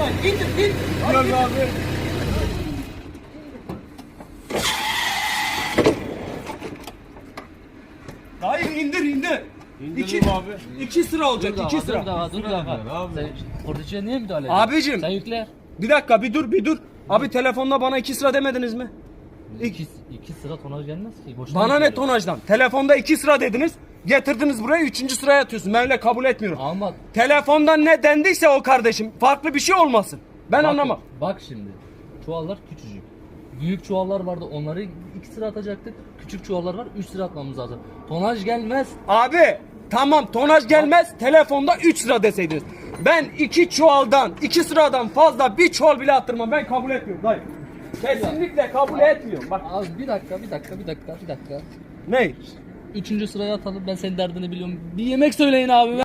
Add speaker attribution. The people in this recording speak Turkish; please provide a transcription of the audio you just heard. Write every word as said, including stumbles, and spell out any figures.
Speaker 1: lan. İndir, in.
Speaker 2: Yok abi.
Speaker 1: Hayır indir, indir.
Speaker 2: İndirelim
Speaker 1: İki,
Speaker 2: abi.
Speaker 1: iki sıra olacak, iki sıra.
Speaker 3: Dur daha, dur
Speaker 2: Sıra
Speaker 3: daha.
Speaker 2: ver abi.
Speaker 3: Sen korticiye niye müdahale ediyorsun?
Speaker 1: Abicim.
Speaker 3: Sen yükle.
Speaker 1: Bir dakika, bir dur, bir dur. Abi telefonda bana iki sıra demediniz mi?
Speaker 3: İki, iki sıra tonaj gelmez ki. Boşuna
Speaker 1: Bana ne
Speaker 3: yüklüyorum.
Speaker 1: tonajdan? Telefonda iki sıra dediniz. Getirdiniz buraya, üçüncü sıraya atıyorsun. Ben öyle kabul etmiyorum.
Speaker 3: Ama
Speaker 1: Telefondan ne dendiyse o kardeşim, farklı bir şey olmasın. Ben
Speaker 3: bak,
Speaker 1: anlamam.
Speaker 3: Bak şimdi. Çuvallar küçücük. Büyük çuvallar vardı. Onları iki sıra atacaktık. Küçük çuvallar var. Üç sıra atmamız lazım. Tonaj gelmez.
Speaker 1: Abi tamam, tonaj gelmez, telefonda üç sıra deseydiniz. Ben iki çuvaldan, iki sıradan fazla bir çuval bile attırmam. Ben kabul etmiyorum dayı. Kesinlikle kabul etmiyorum. Bak
Speaker 3: Abi bir dakika, bir dakika, bir dakika, bir dakika.
Speaker 1: ne?
Speaker 3: Üçüncü sıraya atalım. Ben senin derdini biliyorum. Bir yemek söyleyin abi.